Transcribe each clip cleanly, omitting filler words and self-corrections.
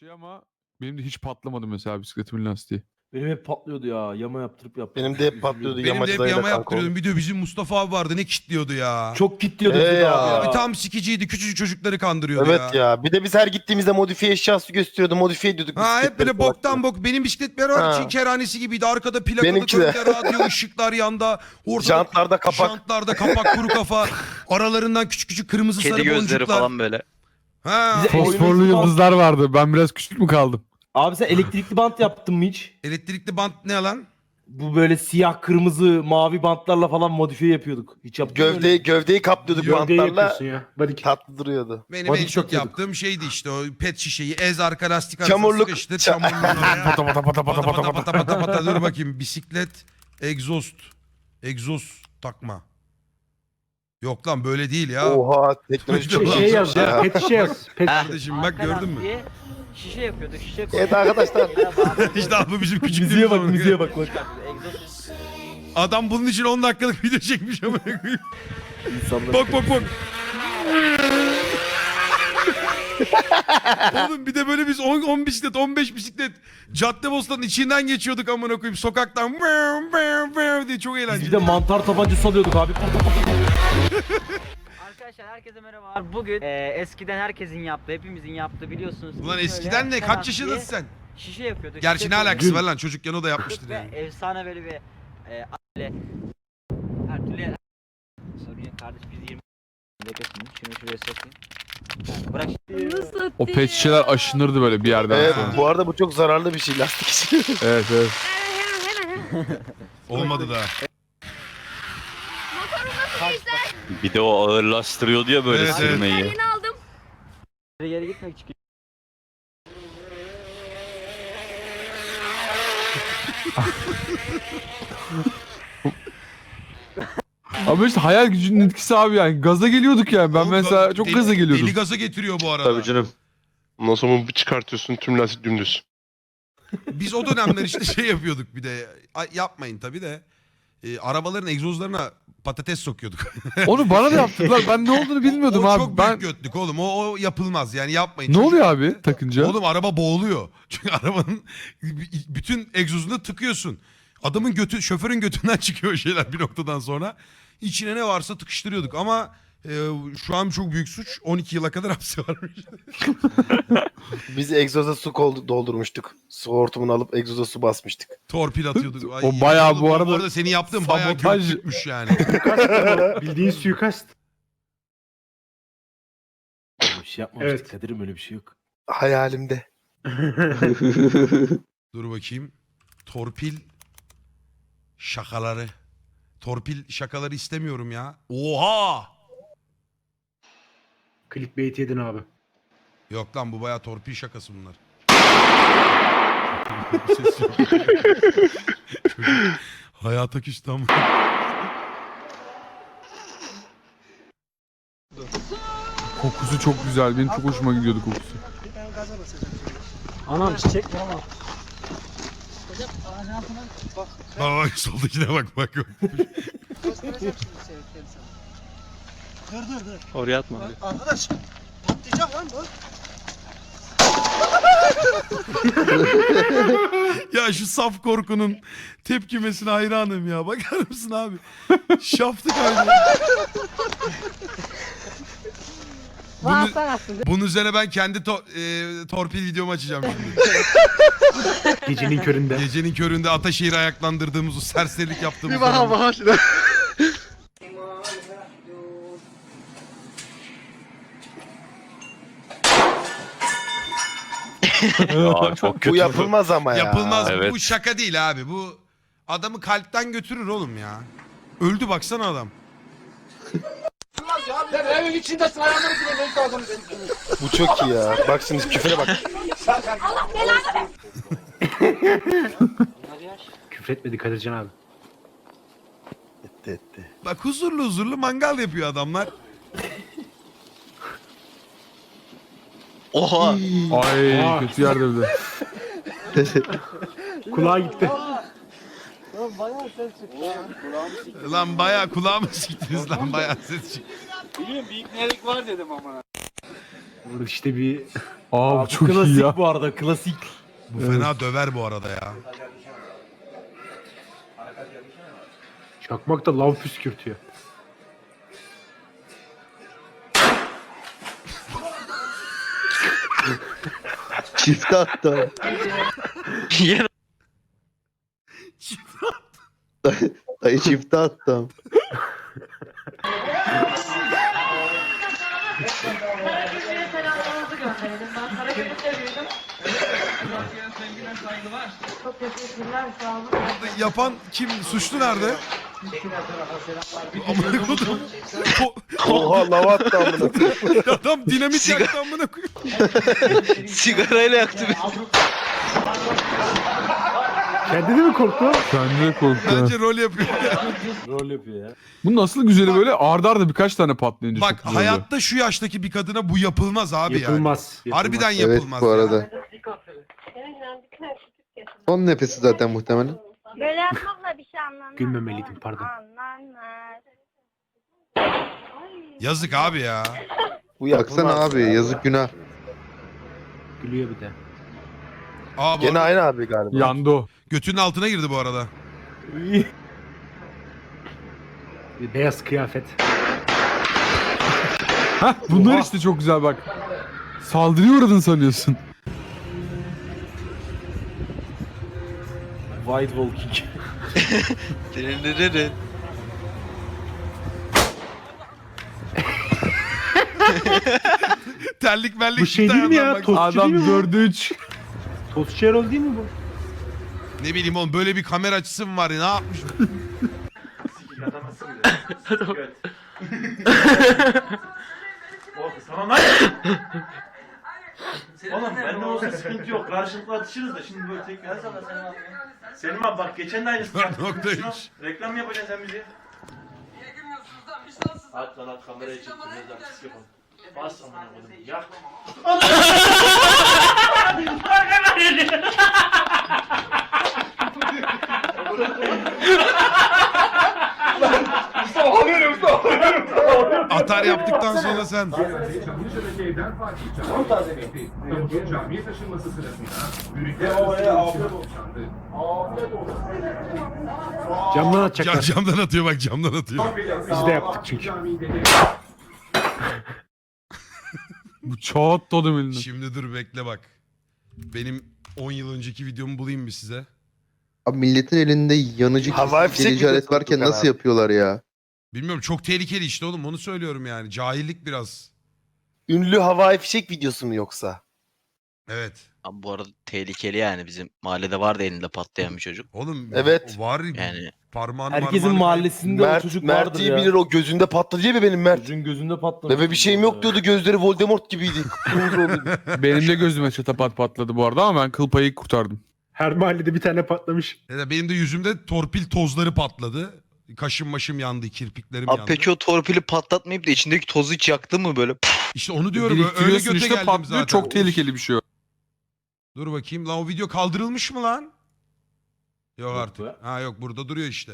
ama benim de hiç patlamadı mesela bisikletimin lastiği. Benim hep patlıyordu ya. Yama yaptırıp Benim de hep patlıyordu. Benim de hep Yamacıdayla yama kanka yaptırıyordum. Bir de bizim Mustafa abi vardı, ne kitliyordu ya. çok kilitliyordu ya. ya. Abi tam sikiciydi, küçücük çocukları kandırıyordu Evet ya. Bir de biz her gittiğimizde modifiye eşyası gösteriyordu. Modifiye ediyorduk. Ha hep bisikletleri böyle boktan bok. Benim bisiklet bir ara Ha. Çin kerhanesi gibiydi. Arkada plakalı Benimki de. gölge, radyo, ışıklar yanda. Ortada Jantlarda kapak. Jantlarda kapak, kuru kafa. Aralarından küçük küçük kırmızı Kedi sarı gözleri boncuklar. falan böyle. Ha. Bize- Fosforlu Oyunun- yıldızlar vardı. Ben biraz küçük mü kaldım? Abi sen elektrikli bant yaptın mı hiç? Elektrikli bant ne lan? Bu böyle siyah, kırmızı, mavi bantlarla falan modifiye yapıyorduk. Hiç yaptın mı öyle? Gövdeyi kaplıyorduk Gövdeyi bantlarla. yapıyorsun ya. Body kit. Tatlı duruyordu. Benim Body en çok yapıyorduk. yaptığım şeydi işte o pet şişeyi ez arka lastik arasına Çamurluk. sıkıştır. Çamurluğunu oraya. Pata pata pata pata pata pata. Pata pata dur bakayım. Bisiklet, egzoz. Egzoz takma. Yok lan böyle değil ya. Oha teknoloji çok Şey Şey iyi. yaz ya. Pet şişe yaz. Pet şişe. Kardeşim bak gördün mü? Şişe yapıyorduk, şişe Evet arkadaşlar. İşte abi bu bizim Müziğe küçüklüğümüz. bak, ama. müziğe bak bak. Adam bunun için 10 dakikalık video çekmiş ama. İnsanlar... Bak bak bak. Oğlum bir de böyle biz 10 bisiklet 15 bisiklet Caddebostan'ın içinden geçiyorduk amına koyayım sokaktan diye çok Biz bir eğlenceli. de mantar tabancası alıyorduk abi. Arkadaşlar herkese merhabalar. Bugün eskiden herkesin yaptığı, hepimizin yaptığı biliyorsunuz. Ulan Biz eskiden böyle ne kaç Ferhat yaşındasın diye sen? Şişe yapıyorduk. Gerçi şişe ne koyduk. alakası var lan çocukken o da yapmıştır Ve yani. efsane böyle bir aile. Her türlü sorun yok kardeş biz 20 beklesin. Şunu şuraya sokayım. Bırak O pet şişeler aşınırdı böyle bir yerden Evet, sonra. bu arada bu çok zararlı bir şey lastik için. Evet evet. Olmadı daha. Bir de o ağırlaştırıyordu ya böyle Evet, evet. sürmeyi. geri gitmek için. Ama işte hayal gücünün etkisi abi yani. Gaza geliyorduk yani. Ben Oğlum, mesela çok gaza geliyordum. Deli gaza getiriyor bu arada. Tabii canım. Ondan sonra bir çıkartıyorsun tüm lastik dümdüz. Biz o dönemler işte şey yapıyorduk bir de. Yapmayın tabii de. Arabaların egzozlarına patates sokuyorduk. Onu bana da yaptılar. Ben ne olduğunu bilmiyordum o abi. çok büyük götlük oğlum. O yapılmaz yani yapmayın. Ne oluyor abi takınca? Oğlum araba boğuluyor. Çünkü arabanın bütün egzozunu tıkıyorsun. Adamın götü, şoförün götünden çıkıyor o şeyler bir noktadan sonra. İçine ne varsa tıkıştırıyorduk ama şu an çok büyük suç. 12 yıla kadar hapsi varmış. Biz egzoza su doldurmuştuk. Su hortumunu alıp egzoza su basmıştık. Torpil atıyorduk. Ay, O bayağı oğlum, bu arada senin yaptığın bayağı sabotaj. götlükmüş yani. Bildiğin suikast. Öyle bir şey yapmamıştık Evet. Kadir'im, öyle bir şey yok. Hayalimde. Dur bakayım. Torpil şakaları. Torpil şakaları istemiyorum ya. Oha! Clickbait yedin abi. Yok lan bu bayağı torpil şakası bunlar. Ses yok. Çocuk hayata küstü ama. Kokusu çok güzel. Benim çok hoşuma gidiyordu kokusu. Anam çiçek mi ama? Bak bak soldakine bak bak. Oraya atma. Arkadaş patlayacak lan bu. Ya şu saf korkunun tepkimesine hayranım ya. Bakar mısın abi? Şaftı kaydı. Bunun üzerine ben kendi torpil videomu açacağım şimdi. Gecenin köründe. Gecenin köründe Ataşehir'i ayaklandırdığımız, o serserilik yaptığımız Bir bana zaman. bak şuna. Aa, çok kötü. Bu yapılmaz ama ya. Yapılmaz. Evet. Bu şaka değil abi. Bu adamı kalpten götürür oğlum ya. Öldü baksana adam. Sen evin içindesin ayağını bile lazım senin. Bu çok iyi ya. Bak şimdi küfre bak. Küfretmedi Kadircan abi. Etti etti. Bak huzurlu huzurlu mangal yapıyor adamlar. Oha. Ay Aa. kötü yerde bir de. Kulağa gitti. Lan bayağı kulağımı siktiniz lan bayağı ses çıktı. Biliyorum bir iknelik var dedim ama. Burada işte bir Aa bu Abi, çok klasik iyi ya. bu arada klasik. Bu fena döver bu arada ya. çakmak da lav püskürtüyor. Çifte attım. Yine Dayı çifte attım. Yapan kim? Suçlu nerede? Amına kodum. Oha lava attı amına. Adam dinamit yaktı amına koyayım. sigarayla yaktı beni. Kendini mi korktu? Kendi de korktu. Bence rol yapıyor. Rol yapıyor ya. Bu nasıl güzeli böyle arda arda birkaç tane patlayınca Bak çok güzel oluyor. hayatta şu yaştaki bir kadına bu yapılmaz abi yani. Yapılmaz. Harbiden Evet yapılmaz. bu ya. arada. Son nefesi zaten muhtemelen. Böyle yapmakla bir şey anlanmaz. Gülmemeliydim, pardon. Anlanmaz. Yazık abi ya. Bu Baksana yapılmaz abi ya. yazık günah. Gülüyor bir de. Aa, bu Gene arada aynı abi galiba. Yandı o. götünün altına girdi bu arada. Bir beyaz kıyafet. Hah bunlar Oha. işte çok güzel bak. Saldırıya uğradın sanıyorsun. White Walking. Terlik mellik Bu şey çıktı değil mi ya? ayağından bak. Tostçu Adam değil mi bu? 4'e 3. Tostçu Erol değil mi bu? Ne bileyim oğlum böyle bir kamera açısı mı var ya ne yapmış? Oğlum bende olsa sıkıntı yok. Karşılıklı atışırız da şimdi böyle tekrar. Selim abi bak geçen de aynısı. 4.3. Reklam yapacaksın sen bize. At lan at kameraya çektim. Biraz artist yapalım. Bas amına koydum. Yak. Atar yaptıktan sonra sen. Camdan atacaklar. Camdan atıyor bak camdan atıyor. Biz de yaptık çünkü. Bu çat tadım elinden. Şimdi dur bekle bak. Benim 10 yıl önceki videomu bulayım mı size? Abi milletin elinde yanıcı Havai fişek delici alet videosu varken Tukan nasıl abi. yapıyorlar ya? Bilmiyorum çok tehlikeli işte oğlum onu söylüyorum yani. Cahillik biraz. Ünlü havai fişek videosu mu yoksa? Evet. Abi bu arada tehlikeli yani bizim mahallede vardı elinde patlayan bir çocuk. Oğlum Evet. var Yani parmağını Herkesin marmağını- mahallesinde o Mert, çocuk Mert vardır iyi ya. bilir o gözünde patladı diye mi benim Mert? Çocuğun gözünde patlamış. Bebe bir şeyim yok diyordu gözleri Voldemort gibiydi. Kıpkırmızı oluyordu. Benim de gözüme çatapat patladı bu arada ama ben kıl payı kurtardım. Her mahallede bir tane patlamış. Ya da benim de yüzümde torpil tozları patladı. Kaşım maşım yandı, kirpiklerim abi yandı. peki o torpili patlatmayıp da içindeki tozu hiç yaktı mı böyle? İşte onu diyorum öyle Biriktiriyorsun göte işte geldim patlıyor. zaten. Çok tehlikeli bir şey o. Dur bakayım lan o video kaldırılmış mı lan? Yok Yok artık. be. Ha yok burada duruyor işte.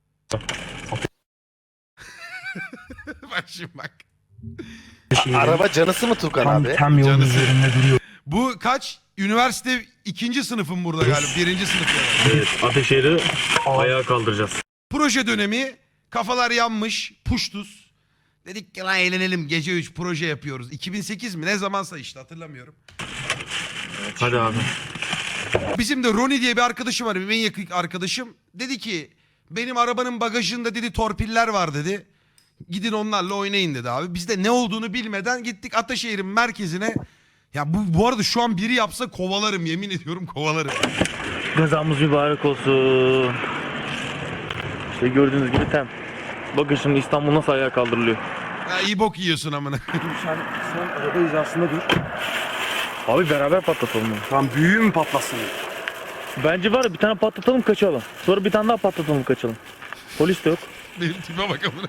Bak şimdi bak. Araba canısı mı Tukan abi? Canısı. Bu kaç? Üniversite 2. sınıfım burada galiba. 1. sınıf ya. Evet Ateşehir'i ayağa kaldıracağız. Proje dönemi. Kafalar yanmış. Puştuz. Dedik ki lan eğlenelim. Gece 3 proje yapıyoruz. 2008 mi? Ne zamansa işte hatırlamıyorum. Hadi abi. Bizim de Ronnie diye bir arkadaşım var. Benim en yakın arkadaşım. Dedi ki benim arabanın bagajında dedi torpiller var dedi. Gidin onlarla oynayın dedi abi. Biz de ne olduğunu bilmeden gittik Ataşehir'in merkezine. Ya bu arada şu an biri yapsa kovalarım yemin ediyorum kovalarım. Gazamız mübarek olsun. İşte gördüğünüz gibi tem. Bakın şimdi İstanbul nasıl ayağa kaldırılıyor. Ya iyi bok yiyorsun amına. Sen araba hizasında dur. Abi beraber patlatalım bunu. Tam büyüğü mü patlasın? Bence var ya bir tane patlatalım kaçalım. Sonra bir tane daha patlatalım kaçalım. Polis de yok. Benim tipe bak amına.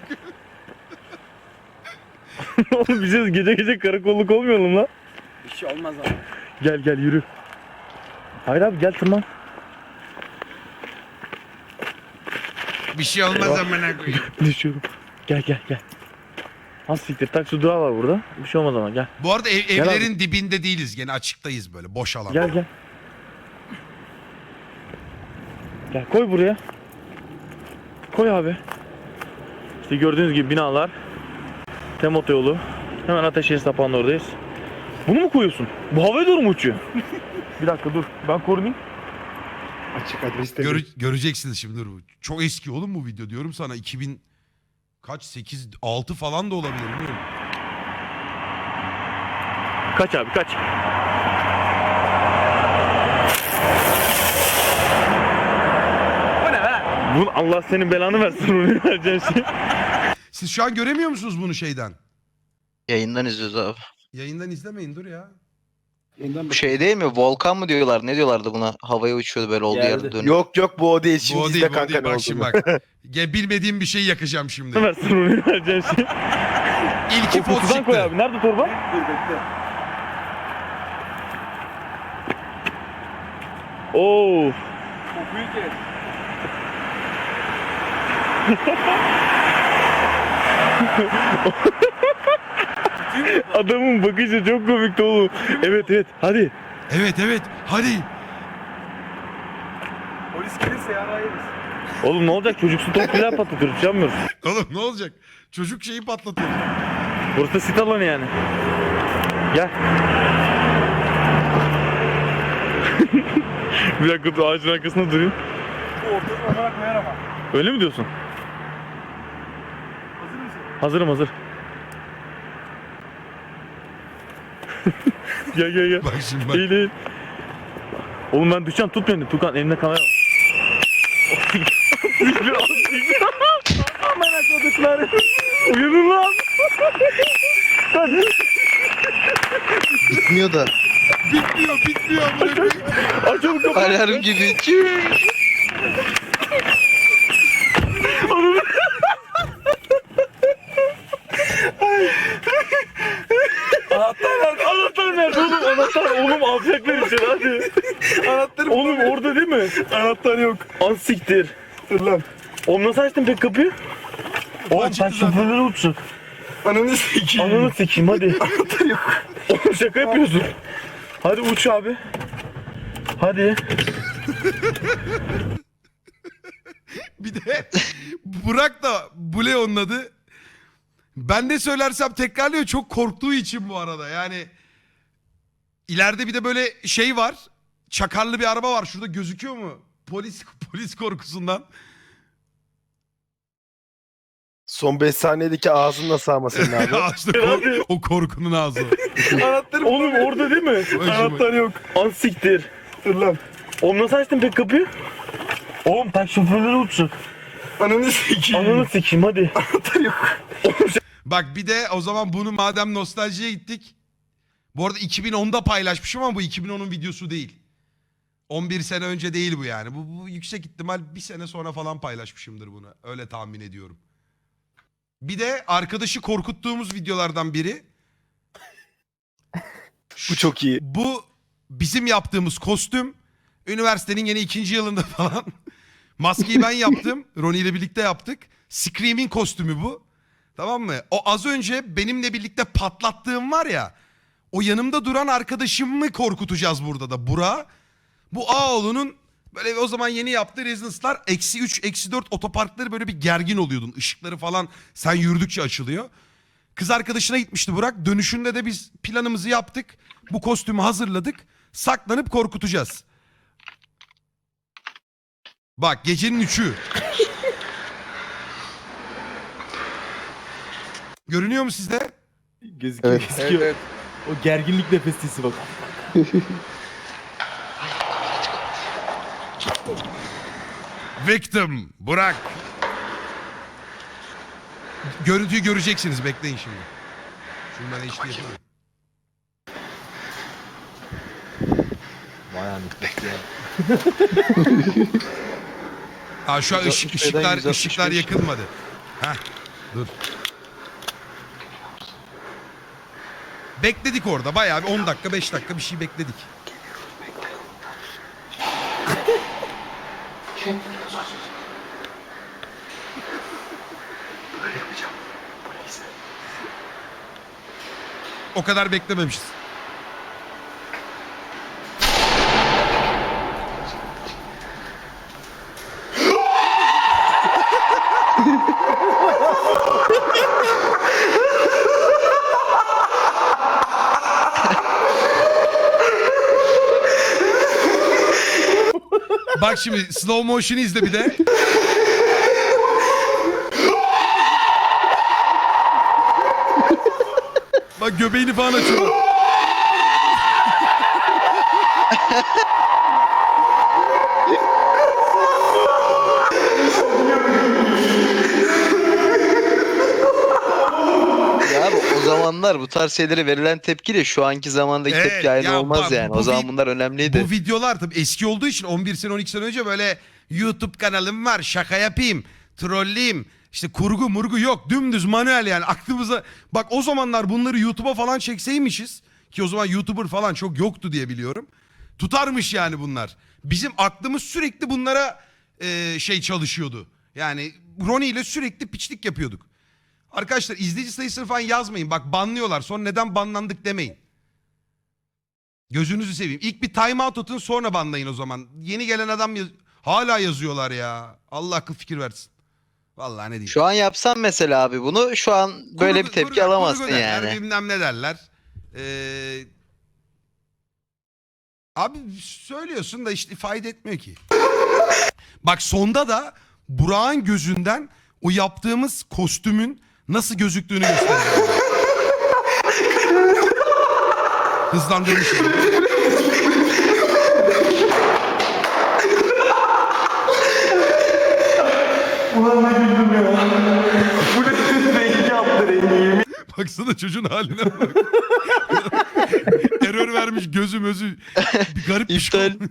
Oğlum bize gece gece karakolluk olmayalım lan. Bir şey olmaz abi. Gel gel yürü. Hayır abi gel tırman. Bir şey olmaz amına koyayım. Düşüyorum. Gel gel gel. Ha siktir, taksi durağı var burada. Bir şey olmaz ama gel. Bu arada Gel evlerin dibinde değiliz. Gene açıktayız böyle. Boş alan. Gel gel. Gel koy buraya. Koy abi. İşte gördüğünüz gibi binalar. Tem otoyolu. Hemen Ateşehir Sapağı'nın oradayız. Bunu mu koyuyorsun? Bu havaya doğru mu uçuyor? Bir dakika dur. Ben korunayım. Açık adreste. Göreceksiniz şimdi. Dur. Çok eski oğlum bu video diyorum sana. 2000 kaç 8 6 falan da olabilir bilmiyorum. Kaç abi kaç. Bu ne be? Bunu Allah senin belanı versin, onu vereceğin şey. Siz şu an göremiyor musunuz bunu şeyden? Yayından izliyoruz abi. Yayından izlemeyin dur ya. Bu şey değil mi? Volkan mı diyorlar? Ne diyorlardı buna? Havaya uçuyordu böyle olduğu yerde dönüyor. Yok bu o değil. Şimdi Bu o izle değil, bu o kanka değil. ne Bak şimdi olduğunu. bak. Bilmediğim bir şey yakacağım şimdi. Versin, onu vereceğin şey. İlki O pot kutudan koy çıktı. abi. Nerede torba? Dur bekle. Oo. Kokuyu kes. Adamın bakışı çok komikti oğlum. Evet evet hadi. Evet hadi. Polis gelirse yarayırız. Oğlum ne olacak, çocuksu torpiller patlatıyoruz, yapmıyoruz. Oğlum ne olacak? Çocuk şeyi patlatıyor. Burası da sit alanı yani. Gel. Bir dakika dur, ağacın arkasında durayım. Bu ortasına olarak koyar ama. Öyle mi diyorsun? Hazır mısın? Hazırım hazır. Gel. Bak şimdi bak. Eğil. Oğlum ben düşeceğim, tut beni. Tukan elimde kamera var. Aman akıllıklar. Uyanın lan. Bitmiyor da. Bitmiyor amına koyayım. Açalım kapıyı. Alarm gibi. Anahtar nerede oğlum? Anahtar oğlum, alacaklar içeri hadi. Anahtarı Oğlum orada değil mi? Anahtar yok. Az siktir. Dur lan. Oğlum nasıl açtın pek kapıyı? Oğlum Açıktı sen zaten. şoförleri uçsun. Ananı sikeyim. Ananı sikeyim hadi. Anahtar yok. Oğlum şaka yapıyorsun. Hadi uç abi. Hadi. Bir de Burak da Bule onun adı. Ben de söylersem tekrarlıyor, çok korktuğu için bu arada. Yani ileride bir de böyle şey var. Çakarlı bir araba var. Şurada gözüküyor mu? Polis korkusundan. Son 5 saniyedeki ağzını nasıl sağma senin abi? İşte o korkunun ağzı. Anahtarı Oğlum orada değil mi? Anahtar yok. Az siktir. Dur lan. Oğlum nasıl açtın pek kapıyı? Oğlum tak şoförleri uçsun. Ananı sikeyim. Ananı sikeyim hadi. Anahtar yok. Bak bir de o zaman bunu madem nostaljiye gittik. Bu arada 2010'da paylaşmışım ama bu 2010'un videosu değil. 11 sene önce değil bu yani. Bu yüksek ihtimal bir sene sonra falan paylaşmışımdır bunu. Öyle tahmin ediyorum. Bir de arkadaşı korkuttuğumuz videolardan biri. Bu çok iyi. Bu bizim yaptığımız kostüm. Üniversitenin yine 2. yılında falan. Maskeyi ben yaptım. Ronnie ile birlikte yaptık. Scream'in kostümü bu. Tamam mı? O az önce benimle birlikte patlattığım var ya. O yanımda duran arkadaşımı korkutacağız burada da. Burak. Bu Ağoğlu'nun böyle o zaman yeni yaptığı Residence'lar -3, -4 otoparkları böyle bir gergin oluyordun. Işıkları falan sen yürüdükçe açılıyor. Kız arkadaşına gitmişti Burak. Dönüşünde de biz planımızı yaptık. Bu kostümü hazırladık. Saklanıp korkutacağız. Bak gecenin 3'ü. Görünüyor mu sizde? Gözüküyor Evet. gözüküyor. O gerginlik nefesisi bak. Victim Burak. Görüntüyü göreceksiniz, bekleyin şimdi. Şunu ben HD yapayım. Vay anasını. Aa şu an ışıklar yakılmadı. Heh, dur. Bekledik orada bayağı bir 10 dakika 5 dakika bir şey bekledik. O kadar beklememişiz. Bak şimdi slow motion'ı izle bir de. Bak göbeğini falan açıyor. Ya abi o zamanlar bu tarz şeylere verilen tepkiyle şu anki zamandaki Evet, tepki aynı ya olmaz bak, yani. bu O zaman vi- bunlar önemliydi. Bu videolar tabii eski olduğu için 11 sene 12 sene önce böyle YouTube kanalım var, şaka yapayım, trolleyim, işte kurgu murgu yok, dümdüz manuel yani aklımıza. Bak o zamanlar bunları YouTube'a falan çekseymişiz ki o zaman YouTuber falan çok yoktu diye biliyorum. Tutarmış yani bunlar. Bizim aklımız sürekli bunlara şey çalışıyordu. Yani Ronnie ile sürekli piçlik yapıyorduk. Arkadaşlar izleyici sayısını falan yazmayın. Bak banlıyorlar. Sonra neden banlandık demeyin. Gözünüzü seveyim. İlk bir time out atın sonra banlayın o zaman. Yeni gelen adam hala yazıyorlar ya. Allah akıl fikir versin. Vallahi ne diyeyim. Şu an yapsam mesela abi bunu şu an böyle bir tepki alamazsın derler, yani. bilmem ne derler. Abi söylüyorsun da işte fayda etmiyor ki. Bak sonda da Burak'ın gözünden o yaptığımız kostümün nasıl gözüktüğünü gösteriyor. Hızlandırmış. Baksana çocuğun haline bak. Error vermiş gözü özü. Bir garip bir şey. İptal.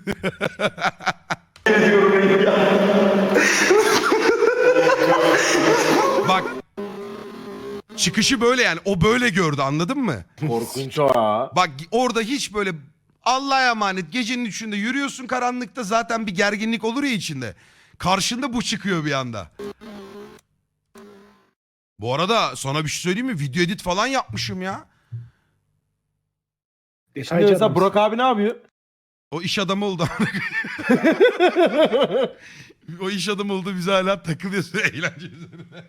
Bak. Çıkışı böyle yani. O böyle gördü anladın mı? Korkunç ha. Bak orada hiç böyle Allah'a emanet gecenin üçünde yürüyorsun karanlıkta zaten bir gerginlik olur ya içinde. Karşında bu çıkıyor bir anda. Bu arada sana bir şey söyleyeyim mi? Video edit falan yapmışım ya. Şimdi mesela Burak abi ne yapıyor? O iş adamı oldu. O iş adamı oldu biz hala takılıyoruz eğlence üzerine.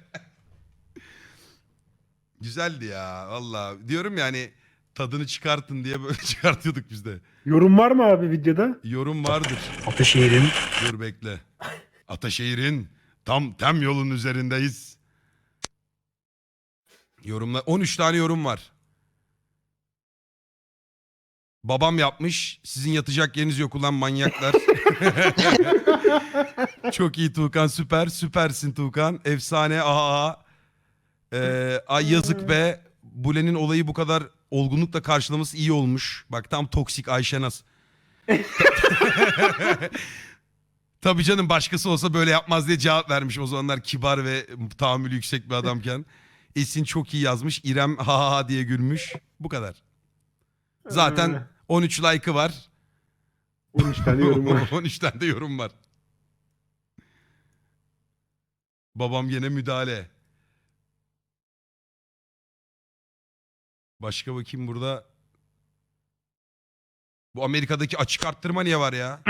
Güzeldi ya valla. Diyorum yani tadını çıkartın diye böyle çıkartıyorduk biz de. Yorum var mı abi videoda? Yorum vardır. Ataşehir'in. Dur bekle. Ataşehir'in tam yolun üzerindeyiz. Yorumlar 13 tane yorum var. Babam yapmış. Sizin yatacak yeriniz yok ulan manyaklar. Çok iyi Tuğkan süper. Süpersin Tuğkan. Efsane aha. Ay yazık be. Bule'nin olayı bu kadar olgunlukla karşılaması iyi olmuş. Bak tam toksik Ayşenaz. Tabii canım başkası olsa böyle yapmaz diye cevap vermiş. O zamanlar kibar ve tahammülü yüksek bir adamken. Esin çok iyi yazmış. İrem ha ha diye gülmüş. Bu kadar. Zaten 13 like'ı var. 13 tane yorum var. 13 tane de yorum var. Babam yine müdahale. Başka bakayım burada. Bu Amerika'daki açık arttırma niye var ya?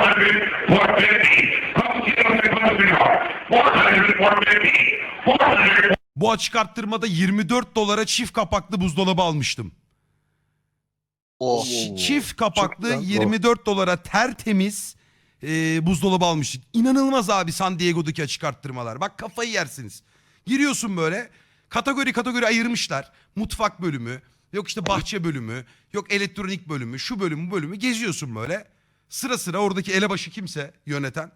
Bu açık arttırmada 24 dolara çift kapaklı buzdolabı almıştım. Oh. Çift kapaklı Çok da- 24 dolara tertemiz buzdolabı almıştık. İnanılmaz abi San Diego'daki açık arttırmalar. Bak kafayı yersiniz. Giriyorsun böyle kategori ayırmışlar. Mutfak bölümü, yok işte bahçe bölümü, yok elektronik bölümü, şu bölümü bu bölümü geziyorsun böyle. Sıra sıra oradaki elebaşı kimse yöneten.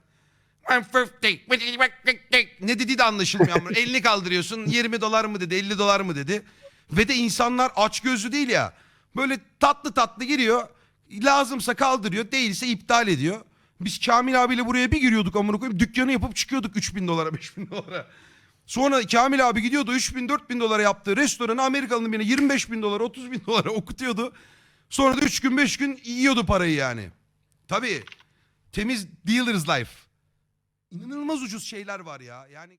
Ne dediği de anlaşılmıyor. Ama elini kaldırıyorsun 20 dolar mı dedi 50 dolar mı dedi. Ve de insanlar açgözlü değil ya. Böyle tatlı tatlı giriyor. Lazımsa kaldırıyor değilse iptal ediyor. Biz Kamil abiyle buraya bir giriyorduk amına koyayım. Dükkanı yapıp çıkıyorduk 3000 dolara 5000 dolara. Sonra Kamil abi gidiyordu 3000-4000 dolara yaptığı restoranı Amerikalı'nın birine 25.000 dolara 30.000 dolara okutuyordu. Sonra da 3 gün 5 gün yiyordu parayı yani. Tabii temiz dealer's life. İnanılmaz ucuz şeyler var ya. Yani